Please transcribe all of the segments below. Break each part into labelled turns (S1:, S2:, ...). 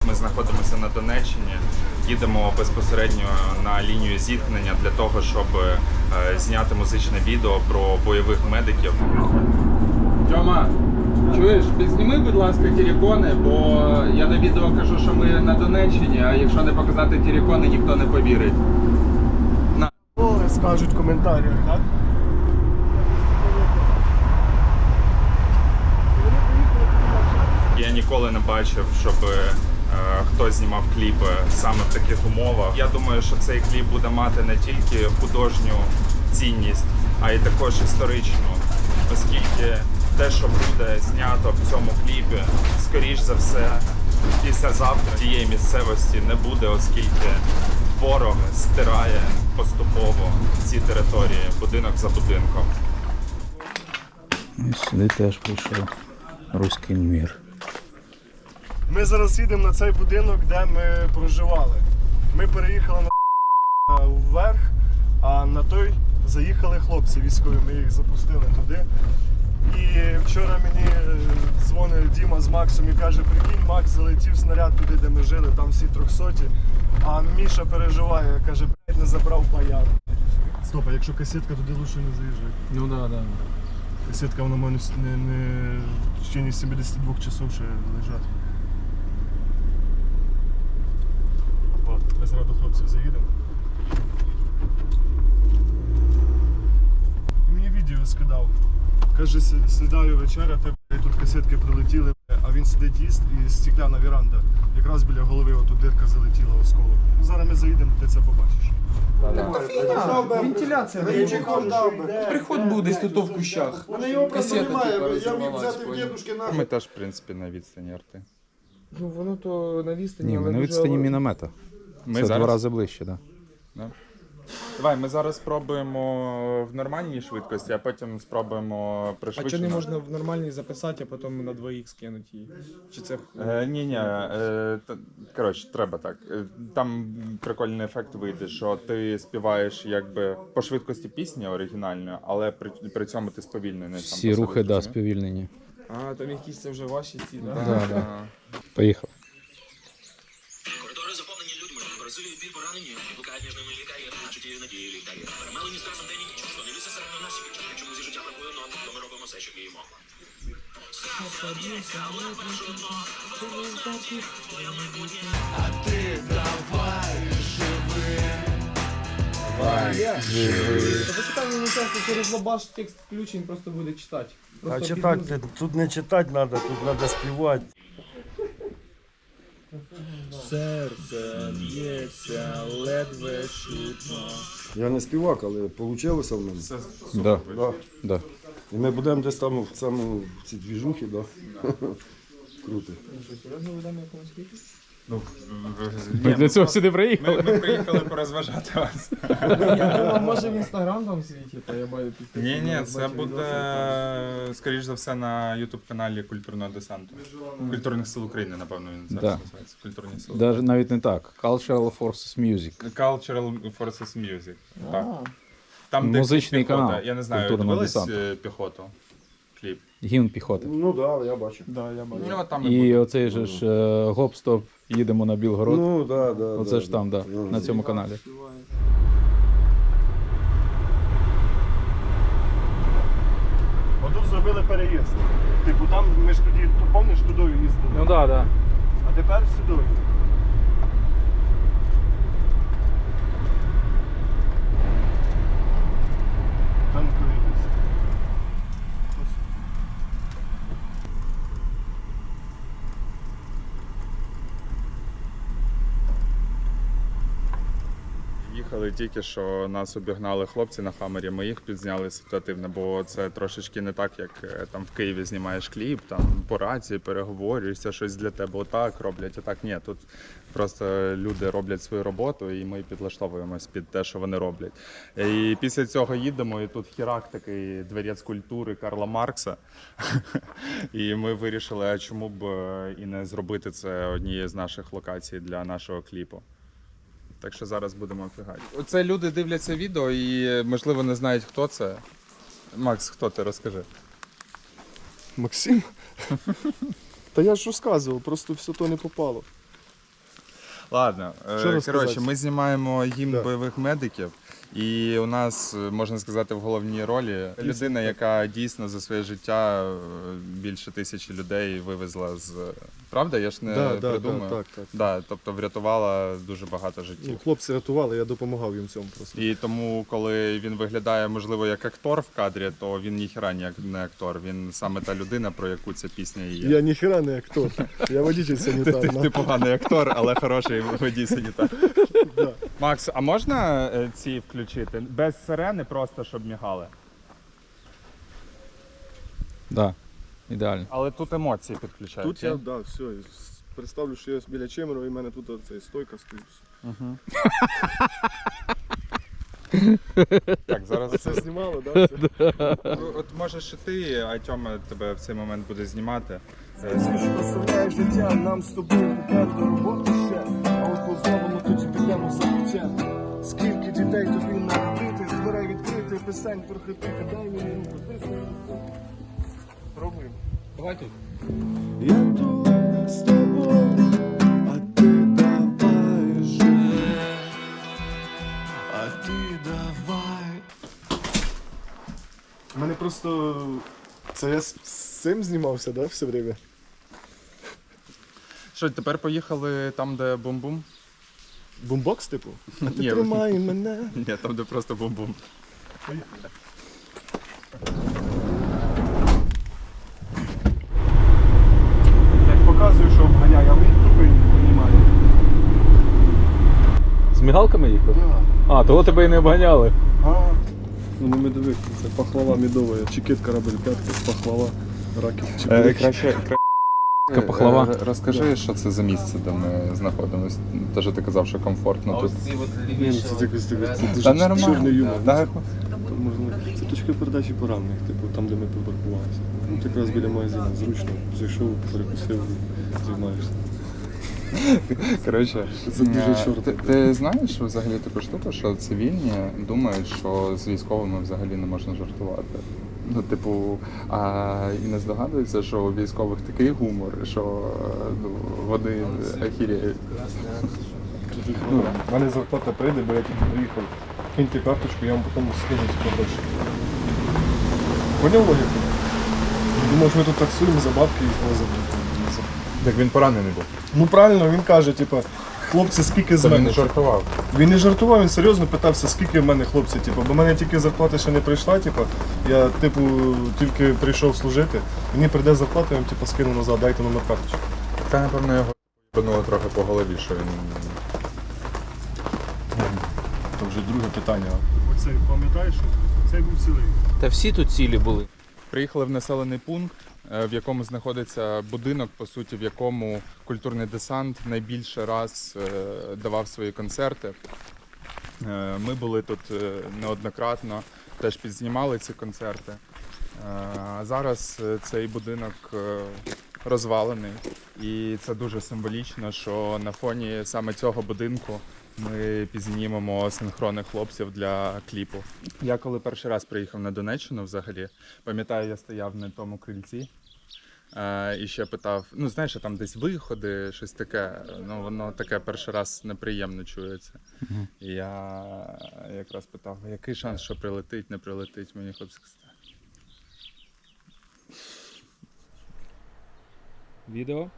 S1: Ми знаходимося на Донеччині, їдемо безпосередньо на лінію зіткнення для того, щоб зняти музичне відео про бойових медиків.
S2: Тьома, чуєш, підзніми, будь ласка, терикони, бо я на відео кажу, що ми на Донеччині, а якщо не показати терикони, ніхто не повірить.
S3: Скажуть в коментарях, так?
S1: Я ніколи не бачив, щоб хтось знімав кліпи саме в таких умовах. Я думаю, що цей кліп буде мати не тільки художню цінність, а й також історичну, оскільки те, що буде знято в цьому кліпі, скоріш за все, післязавтра тієї місцевості не буде, оскільки ворог стирає поступово ці території, будинок за будинком.
S4: І сюди теж прийшов руський мір.
S3: Ми зараз їдемо на цей будинок, де ми проживали. Ми переїхали вверх, а на той заїхали хлопці військові, ми їх запустили туди. І вчора мені дзвонив Діма з Максом і каже, прикинь, Макс, залетів снаряд туди, де ми жили, там всі 300. А Міша переживає, каже, блядь, не забрав баян. Стоп, а якщо касетка, туди лучше не заїжджати.
S2: Ну да.
S3: Касетка, вона може не в течение 72 часов ще лежати. Ми зараз до хлопців заїдемо. Він мені відео скидав. Каже, сідаю вечеря, тебе тут касетки прилетіли, а він сидить їсть і стекляна віранда. Якраз біля голови отут дирка залетіла осколок. Зараз ми заїдемо, ти це побачиш.
S2: Вентиляція. Приход був десь тут в кущах. Касета
S1: Ми теж, в принципі, на відстані арти.
S2: Ну воно то на відстані,
S4: Ні,
S2: але
S4: ми на відстані міномета.
S1: Ми
S4: Це
S1: зараз?
S4: 2 рази ближче, так.
S1: Да. Давай, ми зараз спробуємо в нормальній швидкості, а потім спробуємо
S5: А
S1: пришвидшено.
S5: чого не можна в нормальній записати, а потім на 2х скинути її? Чи це
S1: Ні, коротше, треба так. Там прикольний ефект вийде, що ти співаєш якби по швидкості пісні оригінальної, але при цьому ти сповільнений.
S4: Всі рухи, да, сповільнені.
S5: А, там якісь це вже ваші ці, да?
S4: Да. Поїхав.
S6: Коридори заповнені людьми, розриві біль поранені, блукають між ними лікарі, а чуттєві надії літає. Перемелені стресом день і ніч, що не віси серед нас і печать, чому зі життя бракує нот, то ми робимо все, що вміємо.
S7: А ти давай живи.
S5: Почитай мені часто через лабаш текст включень просто буде читати.
S3: А читати, тут не читати треба, тут треба співати.
S5: Серце б'ється, ледве чутно.
S8: Я не співак, але вийшло в мене.
S4: Да. Да.
S8: І ми будемо десь там в ці двіжухи, да? Круто.
S5: Серйозно ведемо якомусь кліпі?
S4: Ми для цього сюди приїхали.
S1: Ми приїхали порозважати вас.
S5: Я думав, може в інстаграм там світить, а я маю підписати.
S1: Ні, це буде, скоріш за все, на ютуб-каналі Культурного десанту. Культурних сил України, напевно, він зараз
S4: Да.
S1: називається. Культурні сили.
S4: Даже навіть не так. Cultural Forces Music.
S1: Cultural Forces Music. Так. Там, де
S4: Музичний
S1: піхота.
S4: канал
S1: Я не знаю,
S4: Культурного
S1: дивились
S4: десанту.
S1: піхоту? Кліп.
S4: Гімн піхоти.
S8: Ну так, да, я бачу.
S5: Да, я бачу.
S1: Ну, там
S4: І оцей же ж гоп-стоп, їдемо на Білгород.
S8: Ну, да, да.
S4: Оце
S8: да,
S4: ж там, да,
S8: Ну,
S4: на цьому каналі.
S3: Отут зробили переїзд. Типу там ми ж тоді, пам'ятаєш, туди їздили.
S4: Ну так, да.
S3: А тепер сюди. Танковий.
S1: Їхали тільки, що нас обігнали хлопці на Хаммері, ми їх підзняли ситуативно, бо це трошечки не так, як там в Києві знімаєш кліп, там по рації переговорюєшся, щось для тебе отак роблять, а так ні. Тут просто люди роблять свою роботу і ми підлаштовуємось під те, що вони роблять. І після цього їдемо, і тут хірак такий дворець культури Карла Маркса. І ми вирішили, а чому б і не зробити це однією з наших локацій для нашого кліпу. Так що зараз будемо офігати. Оце люди дивляться відео і, можливо, не знають, хто це. Макс, хто ти? Розкажи.
S3: Максим? Та я ж розказував, просто все то не попало.
S1: Ладно,
S3: Що розказати?
S1: коротше, ми знімаємо гімн
S3: Да.
S1: бойових медиків, і у нас, можна сказати, в головній ролі людина, яка дійсно за своє життя більше 1000 людей вивезла з... Правда? Я ж не придумаю.
S3: так.
S1: Да, тобто врятувала дуже багато життів.
S3: Ну, хлопці рятували, я допомагав їм в цьому просто.
S1: І тому, коли він виглядає, можливо, як актор в кадрі, то він ніхіра не актор. Він саме та людина, про яку ця пісня і є.
S3: Я ніхера не актор, я водитель санітар.
S1: Ти поганий актор, але хороший водій санітар. Макс, а можна ці включити? Без сирени, просто щоб мігали.
S4: Да, ідеально.
S1: Але тут емоції підключають.
S3: Тут я, все, представлю, що я біля Чемерова, і в мене тут цей стойка стоїть.
S1: Так, зараз
S3: Це знімало, так?
S1: От можеш і ти, а Тьома тебе в цей момент буде знімати.
S3: Доставляє життя нам з тобою попереду роботи ще, а от позовемо тоді підемо за життя. Скільки дітей тобі народити, з дверей відкрити, писань трохи тихо, дай мені руку, ти пробуємо.
S5: Давай тут.
S3: Я тут з тобою, а ти давай живи, а ти давай. У мене просто... Це я з цим знімався, да, все время?
S1: Що, тепер поїхали там, де бум-бум?
S3: Бумбокс, типу? А ти
S1: Ні,
S3: тримай мене.
S1: Ні, там, де просто бум-бум.
S3: Як показую, що обганяю, а він тупий не понімає.
S4: З мігалками їхав?
S3: Да.
S4: А, того тебе і не обганяли.
S3: А, ну не медовик, це пахлава медова, чекіт, корабель, п'ятки, пахлава, раків, чебурек.
S1: Краще
S4: пахлава.
S1: Розкажи, що це за місце, де ми знаходимося. Те, що ти казав, що комфортно тут.
S3: Ні, це якось це дуже
S1: Та нормально.
S3: чорний юмор.
S1: Да.
S3: Це, можливо, це точка передачі поранених, типу там, де ми припаркувалися. Ну, ти якраз біля магазину, зручно, зайшов, перекусив і займаєшся.
S1: Коротше,
S3: Це дуже чорно.
S1: ти знаєш взагалі таку штуку, що цивільні думають, що з військовими взагалі не можна жартувати. Ну, типу, і не здогадуються, що у військових такий гумор, що вони ахіряють.
S3: Ну, в мене зарплата прийде, бо я тільки приїхав. Киньте карточку, я вам потім скину побольше. Поняв логіку? Думав, що ми тут таксуємо за бабки і возимо.
S1: Так він поранений був.
S3: Ну правильно, він каже, типу, хлопці, скільки з
S1: Це він
S3: мене?
S1: не жартував.
S3: Він не жартував, він серйозно питався, скільки в мене хлопці, типу, бо в мене тільки зарплата ще не прийшла, типу, я типу тільки прийшов служити, мені прийде зарплата, я вам типу, скину назад, дайте номер карточки.
S1: Та, напевно, його ебануло трохи по голові, що він...
S3: Це вже друге питання. Оцей, пам'ятаєш, цей був цілий.
S5: Та всі тут цілі були.
S1: Приїхали в населений пункт, в якому знаходиться будинок, по суті, в якому культурний десант найбільше раз давав свої концерти. Ми були тут неоднократно, теж підзнімали ці концерти. А зараз цей будинок розвалений, і це дуже символічно, що на фоні саме цього будинку ми підзнімемо синхронних хлопців для кліпу. Я коли перший раз приїхав на Донеччину взагалі, пам'ятаю, я стояв на тому крильці і ще питав, ну знаєш, там десь виходи, щось таке, ну воно таке перший раз неприємно чується. І я якраз питав, який шанс, що прилетить, не прилетить, мені хлопці сказали.
S5: Відео.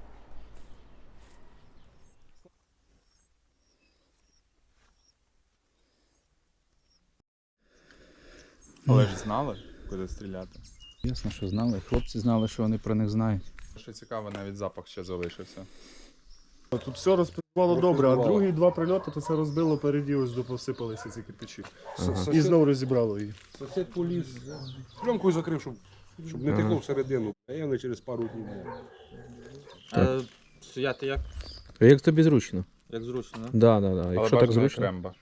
S1: Але ж знали, куди стріляти.
S4: Ясно, що знали. Хлопці знали, що вони про них знають.
S1: Що цікаво, навіть запах ще залишився.
S3: Тут все розпрацювало добре, а другі два прильоти, то це розбило переді, ось посипалися ці кирпичі. І знову розібрало її.
S8: Сусід поліз, пленкою закрив, щоб не текло всередину. А я не через пару днів.
S5: Стояти як?
S4: Як тобі зручно?
S5: Як зручно, да?
S4: Да.
S1: Але
S4: Якщо так
S1: бажано
S4: зручно.
S1: Кремба.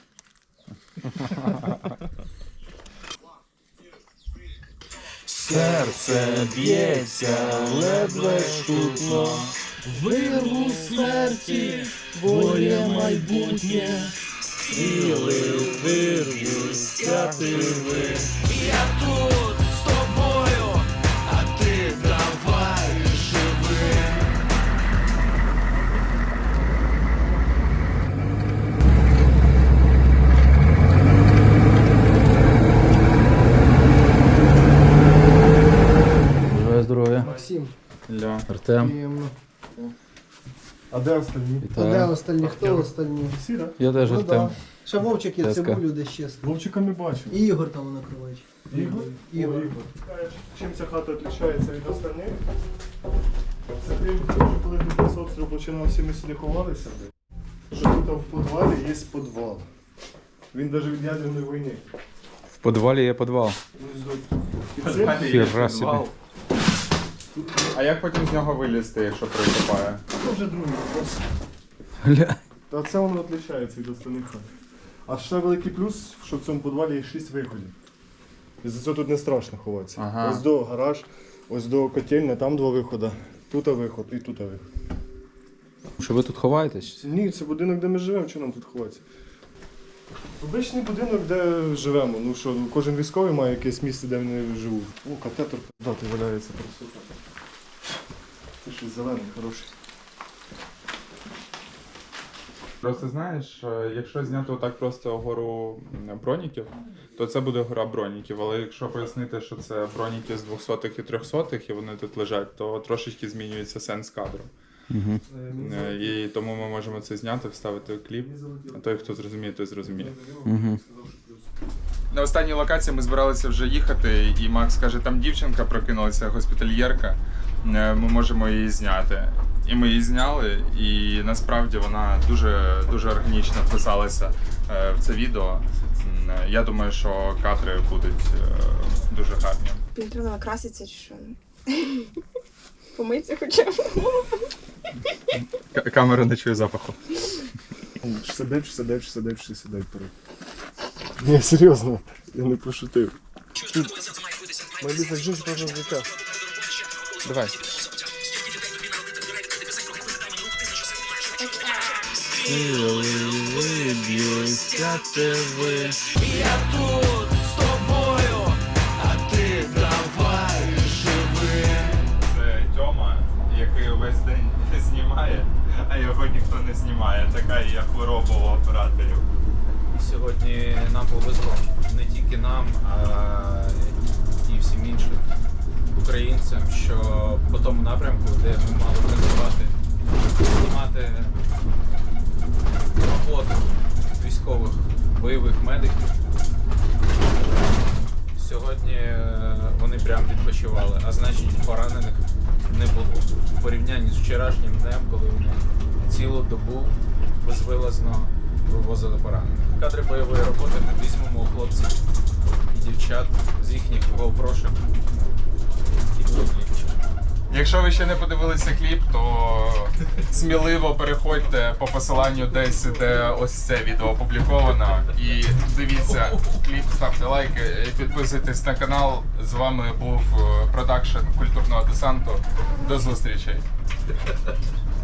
S7: Серце б'ється, ледве чутно, вирву смерті, твоє майбутнє, стріли вирвуся тиви. Я тут з тобою, а ти давай живи.
S4: Тем.
S9: Приємно.
S3: А де остальні?
S9: А де
S4: Вітаю.
S9: остальні? Хто остальні?
S3: Всі, так?
S4: Я теж
S9: Ну
S4: Артем.
S9: да. Ще Вовчик є,
S4: Теска.
S9: цибулю десь чесно.
S3: Вовчика не бачив.
S9: І Ігор там накривач.
S3: Ігор?
S9: Ігор.
S3: Чим ця хата відрізняється від остальних? Це тим, що коли тут нас обстріл починав, всі ми сюди ховалися. Що тут в підвалі є підвал. Він навіть від ядерної війни.
S4: В підвалі є підвал.
S3: І це
S4: Хіра собі.
S1: А як потім з нього вилізти, якщо прикопає?
S3: вже другий вопрос.
S4: Гля.
S3: Та це воно відрізняється від остальних хат. А ще великий плюс, що в цьому підвалі є 6 виходів. І за це тут не страшно ховатися.
S1: Ага.
S3: Ось до гараж, ось до котельня, там 2 виходи. Тут виход і тут виход.
S4: Що ви тут ховаєтесь?
S3: Ні, це будинок, де ми живемо, що нам тут ховатися? Обичний будинок, де живемо. Ну що, кожен військовий має якесь місце, де вони живуть. О, катетер дати валяється просто. Це щось зелений, хороший.
S1: Просто знаєш, якщо зняти отак просто гору броніків, то це буде гора броніків. Але якщо пояснити, що це броніки з 200-х і 300-х, і вони тут лежать, то трошечки змінюється сенс кадру.
S4: Угу.
S1: І тому ми можемо це зняти, вставити в кліп. А той, хто зрозуміє, той зрозуміє.
S4: Угу.
S1: На останній локації ми збиралися вже їхати, і Макс каже, там дівчинка прокинулася, госпітальєрка, ми можемо її зняти. І ми її зняли, і насправді вона дуже, дуже органічно вписалася в це відео. Я думаю, що кадри будуть дуже гарні.
S10: Мені треба накраситися чи що? Помитися хоча б.
S1: Камера не чує запаху.
S3: Сидить вперед. Ні, серйозно, я не пошутив. Мої так жінки просто життя.
S1: Давай.
S7: Виб'юся тебе. Я тут з тобою, а ти давай живи.
S1: Це Тьома, який увесь день знімає, а його ніхто не знімає. Така є хвороба у операторів.
S11: Сьогодні нам повезло. Не тільки нам, а і всім іншим українцям, що по тому напрямку, де ми мали працювати, знімати роботу військових бойових медиків. Сьогодні вони прям відпочивали, а значить поранених не було. В порівнянні з вчорашнім днем, коли вони цілу добу безвилазно вивозили поранених. Кадри бойової роботи ми візьмемо у хлопців і дівчат з їхніх GoPro-шок і кліпів.
S1: Якщо ви ще не подивилися кліп, то сміливо переходьте по посиланню десь, де ось це відео опубліковано. І дивіться кліп, ставте лайки, підписуйтесь на канал. З вами був продакшн культурного десанту. До зустрічей!